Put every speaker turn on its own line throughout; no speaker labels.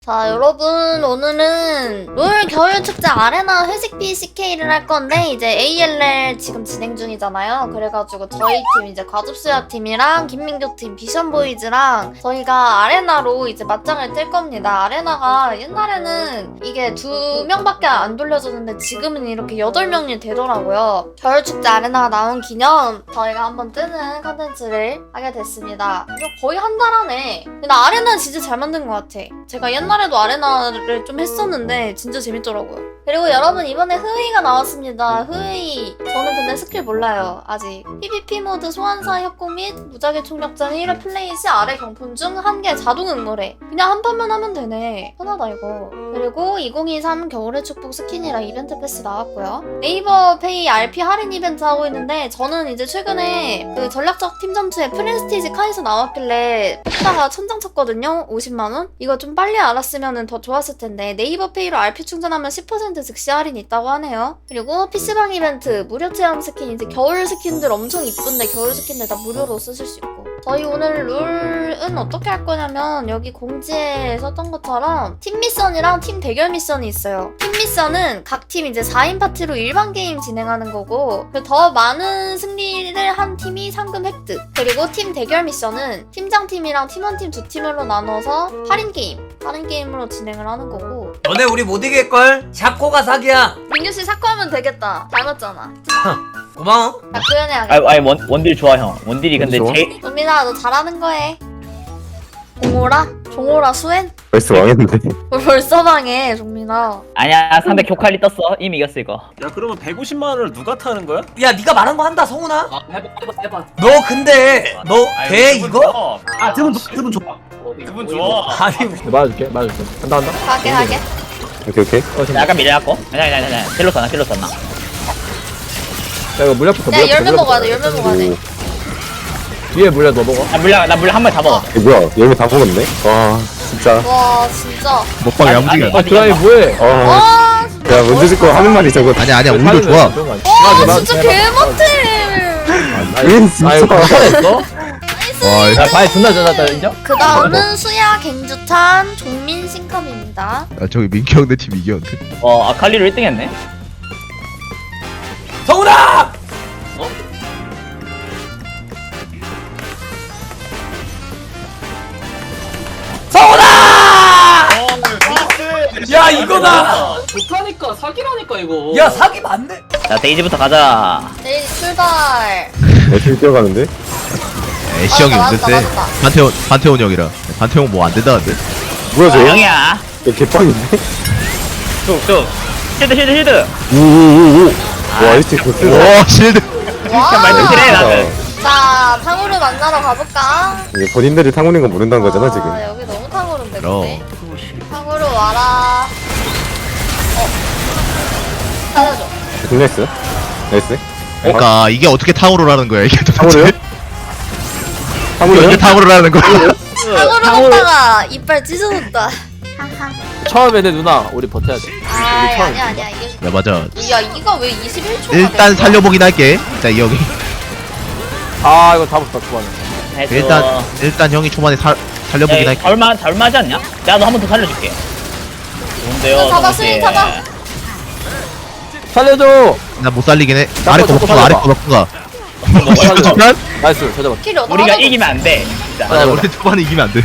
자 여러분, 오늘은 롤 겨울축제 아레나 회식 BCK를 할 건데 이제 ALL 지금 진행 중이잖아요. 그래가지고 저희 팀 이제 과즙수야 팀이랑 김민교 팀 비션보이즈랑 저희가 아레나로 이제 맞짱을 뜰 겁니다. 아레나가 옛날에는 이게 2명밖에 안 돌려줬는데 지금은 이렇게 8명이 되더라고요. 겨울축제 아레나가 나온 기념 저희가 한번 뜨는 컨텐츠를 하게 됐습니다. 이거 거의 한 달 안에. 근데 나 아레나 진짜 잘 만든 것 같아. 제가 옛날에도 아레나를 좀 했었는데 진짜 재밌더라고요. 그리고 여러분, 이번에 흐웨이가 나왔습니다. 흐웨이. 저는 근데 스킬 몰라요, 아직. PVP 모드 소환사 협곡 및 무작위 총력전 1회 플레이 시 아래 경품 중 1개 자동 응모래. 그냥 한 판만 하면 되네. 편하다 이거. 그리고 2023 겨울의 축복 스킨이랑 이벤트 패스 나왔고요. 네이버 페이 RP 할인 이벤트 하고 있는데 저는 이제 최근에 그 전략적 팀 점수에 프레스티지 카이소 나왔길래 뽑다가 천장 쳤거든요. 50만원? 이거 좀 빨리 알았으면 더 좋았을 텐데 네이버 페이로 RP 충전하면 10% 즉시 할인 있다고 하네요. 그리고 PC방 이벤트 무료 체험 스킨, 이제 겨울 스킨들 엄청 이쁜데 겨울 스킨들 다 무료로 쓰실 수 있고. 저희 오늘 룰은 어떻게 할 거냐면 여기 공지에 썼던 것처럼 팀 미션이랑 팀 대결 미션이 있어요. 팀 미션은 각 팀 이제 4인 파티로 일반 게임 진행하는 거고 더 많은 승리를 한 팀이 상금 획득. 그리고 팀 대결 미션은 팀장팀이랑 팀원팀 2팀으로 나눠서 할인 게임으로 진행을 하는 거고.
너네 우리 못 이길걸? 샤코가 사기야.
민규씨 샤코하면 되겠다. 닮았잖아.
고마워.
나 구현해야겠다.
아니 원딜 좋아 형. 원딜이 근데
좋아?
제일
은민아, 너 잘하는 거해. 종호라? 종호라 수엔?
벌써 망했는데.
뭘 벌써 방해, 종민아.
아니야 상대 교칼리 떴어. 이미 이겼어 이거.
야 그러면 150만 원을 누가 타는 거야?
야 네가 말한 거 한다 성훈아.
해봐.
너 근데 너 돼 이거?
아 드분 좋아. 드분 좋아.
아니
맞아줄게. 한다.
가게.
오케이.
약간 밀려갖고. 아니야. 킬로 썼나.
자, 이거 물약부터.
야, 열매 먹어야 돼.
뒤에 물약 너 먹어.
나 물량 한 번 다 먹었어.
이거 뭐야? 열매 다 먹었네. 와, 진짜.
와, 진짜.
먹방이 야무지게
아니,
안 돼.
드라이 뭐해?
와, 진짜.
야, 먼저 짓고 하는 말이 저거.
아니야 오히려 좋아.
와, 진짜 개못해.
왜 진짜. 아, 이거 잘했어?
와
야, 바이 존나 잘했다, 인정?
그 다음은 수야, 갱주탄, 종민, 신컵입니다.
저기 민키 형네 팀 이겼는데.
아칼리로 1등 했네.
성훈아! 성훈아! 야 이거다.
좋다니까 사기라니까 이거.
야 사기 맞네.
자 데이지부터 가자.
내일 출발.
애들 뛰어가는데?
애쉬 형이
맞다,
운전 세.
맞다.
판테온 형이라. 판테온 뭐 안 된다는데.
뭐야, 저?
형이야.
이거 개빵인데?
쭉. 쉴드.
우우우우. 와, 이거 진짜 좋다.
와 실드.
말씀드려 나는.
자, 탕후루 만나러 가볼까?
이게 본인들이 탕후루인 거 모른다는 거잖아, 지금.
여기 너무 탕후루인데,
그럼.
근데. 탕후루 와라. 살려줘.
나이스.
그러니까 이게 어떻게 탕후루라는 거야 이게 도대체.
탕후루요?
이게
탕후루요?
어떻게 탕후루라는 거야.
탕후루 먹다가 이빨 찢어졌다.
처음에는 누나 우리 버텨야 돼.
아니야. 이게.
야 맞아.
야, 이거 왜 21초가
일단 살려보긴 할게. 자 이 형이.
아 이거 다 붙다 초반에.
일단 형이 초반에 살려보긴 할게.
얼마지 않냐? 야 너 한 번 더 살려줄게. 좋은데요.
잡아,
너무
스윙
세.
잡아.
살려줘.
나 못 살리긴 해. 아래 거 먹고 아래 거 먹고 가. 잠깐.
나이스 찾아봐.
킬이 어디
우리가 이기면 안 돼. 진짜.
아 우리 초반에 이기면 안 돼.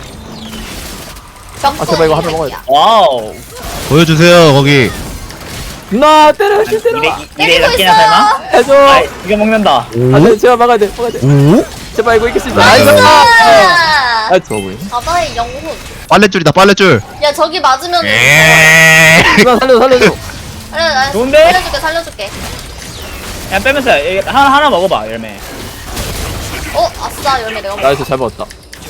아, 제발 이거 하나 먹어야 돼.
와우.
보여주세요 거기.
누나 때려 실 때려.
이래
때리고
낚이나 설마?
해줘.
아 이거 먹는다.
안돼 제발 막아야 돼.
우?
제발 이거 이길 수 있어.
나이스!
아 좋아 보이네.
바다의 영혼.
빨래줄이다 빨래줄.
야, 저기 맞으면.
누나 살려줘.
좋은데?
살려줄게.
야 빼면서 하나 먹어봐 열매.
아싸, 열매 내가 먹어.
나이스 잘 먹었다.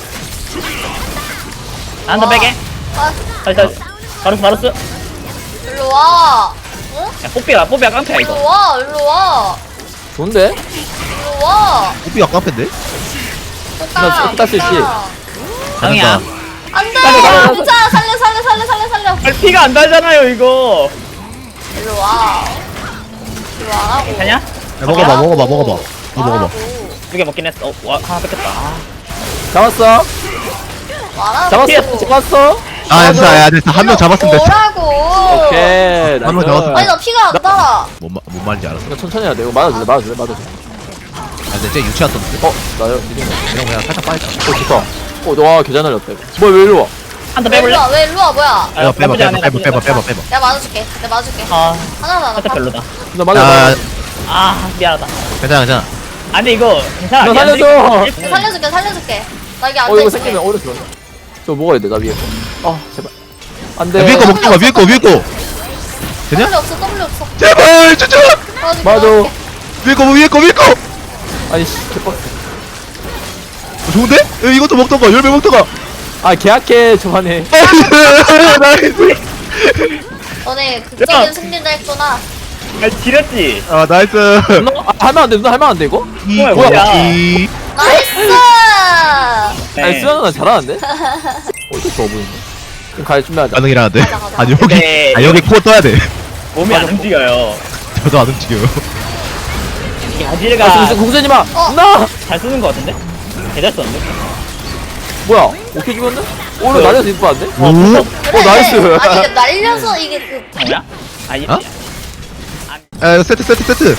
한 더 빼게.
아,
바로스.
일로 와. 응?
야 뽀삐야 깡패야 이거.
일로 와.
좋은데?
일로 와.
호비 아까인데?
나 딸 수 있지.
형이야.
안 돼!
살려.
부자! 살려!
피가 안 달잖아요 이거.
일로 와. 일로 와라고.
괜찮냐?
야, 먹어봐. 이거 먹어봐.
와라고.
2개 먹긴 했어. 하나 뺏겼다.
잡았어.
와라고.
잡았어.
아 진짜 야 진짜 한 명 잡았으면 됐어.
뭐라고?
오케이.
한번
나이스.
잡았어.
아니 나 피가 안 달아.
뭔 말인지 알았어.
이거 천천히 해야 돼. 이거 맞아줄래? 맞아줄래?
아 근데 쟤 유치했었는데.
나요. 이긴 거.
이런 거 그냥 살짝 빠졌다.
좋다. 너와 계좌 날렸다. 이거. 뭐야 왜 이리 와?
한 더
왜 일로
빼볼래?
와? 왜 일로 와? 뭐야?
빼봐 빼봐
나쁘지 않아,
빼봐
나쁘지
빼봐
않아.
빼봐 빼봐.
내가 맞아줄게. 내가 맞아줄게.
아
하나
살짝 별로다.
나 맞아.
야
아 미안하다.
괜찮아 괜찮아.
아 근데 이거 괜찮아.
나
미안해.
살려줘.
살려줄게. 살려줄게. 나 여기
이거
앉아있을게.
생기면 오른쪽. 저 먹어야 돼. 나 위에 거. 아 제발. 안돼.
야, 위에 거 먹자 위에 거 위에 거. 되냐?
W 없어. W 없어.
제발 진짜.
도와줄게,
맞아.
도와줄게.
위에 거 위에 거 위에 거.
아니 씨 개빡.
좋은데? 야, 이것도 먹던가 열매 먹던가.
아 계약해 저만에.
나이스.
너네 극적인 승리를 했구나.
아 지렸지.
아 나이스.
하면 안 돼. 누나 하면 안 돼 이거?
뭐야,
뭐야?
뭐야.
나이스!
아니 수현아 나 잘하는데? 어디 좋아 보이네. 그럼 갈 준비하자.
가능이라는데.
가자, 가자.
아니 여기
네.
아 여기 코어 떠야 돼.
몸이 안 움직여요.
저도 안 움직여요.
이
아
아지르가
공수님 마.
어.
누나.
잘 쓰는 거 같은데? 개잘 썼는데?
뭐야? 오케이 죽었네? 오늘 날려서 이쁘 안 돼?
오.
그래.
나이스.
아니 이게 날려서 이게 그
뭐야? 아니
어? 야 이거 세트.
세트.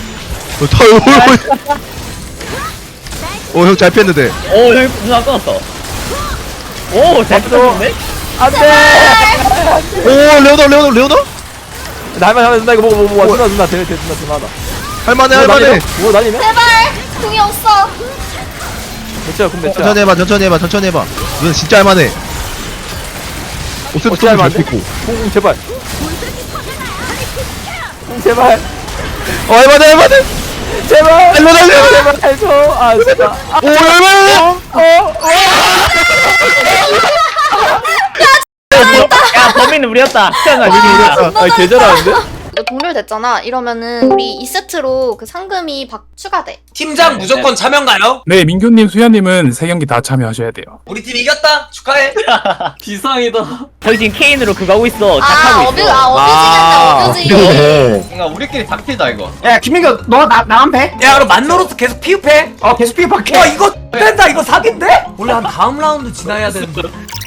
오형 잘 피했는데.
오 여기 누나 끊었어. 오잘 끊었는데?
안돼.
오 레오나.
나 할만 누나 이거 먹어. 누나 대 누나 하다.
할만해.
뭐 날리면?
제발! 궁이 없어.
몇이야 그럼 몇이야?
천천히 해봐. 이건 진짜 할만해. 오세트
어떻게
좀
하면 안
잘
돼?
피고.
공 제발. 제발.
할만해.
제발.
일로 날려.
제발 해줘. 아 진짜.
오 할만해.
야 범인은 우리였다. 태어나
우리였다.
아 개잘하는데?
동률 됐잖아. 이러면은 우리 2세트로 그 상금이 추가돼.
팀장 무조건 참여인가요?
네, 민규님, 수야님은 3경기 다 참여하셔야 돼요.
우리 팀 이겼다. 축하해.
비상이다.
저희 지금 K인으로 그거 하고 있어.
아,
작하고
어뷰,
있어.
어뷰지겠네, 어뷰지.
그래.
뭔가 우리끼리 닥치다 이거.
야 김민규 너 나만 배? 야 그럼 만노로스 계속 피흡해. 계속 피흡할게. 와 이거 된다. 이거 사기인데? 원래 한 다음 라운드 지나야 되는데.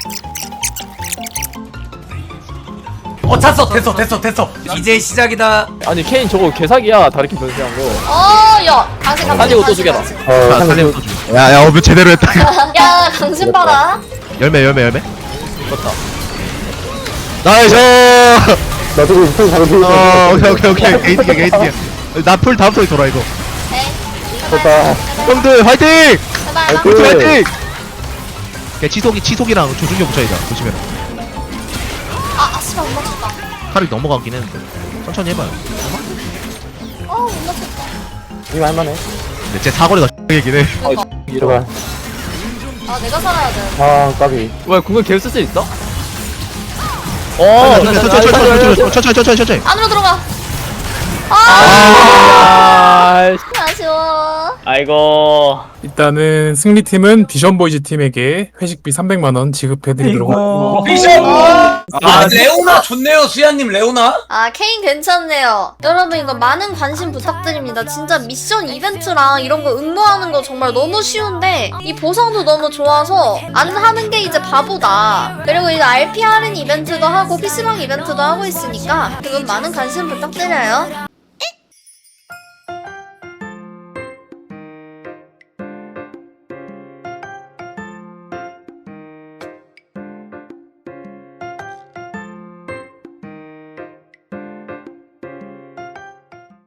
찼어. 됐어. 이제 시작이다.
아니 케인 저거 개사기야. 다르킨 변수한 거.
야. 강신,
가지고 또 죽여라.
자 살림 또 줘. 야야 어뷰 제대로 했다.
야, 강신 봐라.
열매.
떴다.
나이스.
나 지금 손 잡은 피.
오케이. 게이트게. 나 풀 다음 소리 돌아 이거.
네.
됐다.
형들 화이팅!
제발,
그-
화이팅! 걔 치속이랑 조준경 붙여야죠. 조심해라.
씨발, 못 맞췄다.
칼이 넘어가긴 했는데. 천천히 해봐요.
못 맞췄다.
이거 할만해.
근데 제 사거리가 X이긴 해.
제발.
내가 살아야 돼.
아 까비.
왜 궁을 계속 쓸 수 있어?
천천히.
안으로 들어가.
아.
아쉬워.
아이고.
일단은 승리팀은 비전보이즈 팀에게 회식비 300만원 지급해드리도록 하겠습니다.
레오나 좋네요. 수야님 레오나.
케인 괜찮네요. 여러분 이거 많은 관심 부탁드립니다. 진짜 미션 이벤트랑 이런 거 응모하는 거 정말 너무 쉬운데 이 보상도 너무 좋아서 안 하는 게 이제 바보다. 그리고 이거 RP 할인 이벤트도 하고 PC방 이벤트도 하고 있으니까 그건 많은 관심 부탁드려요.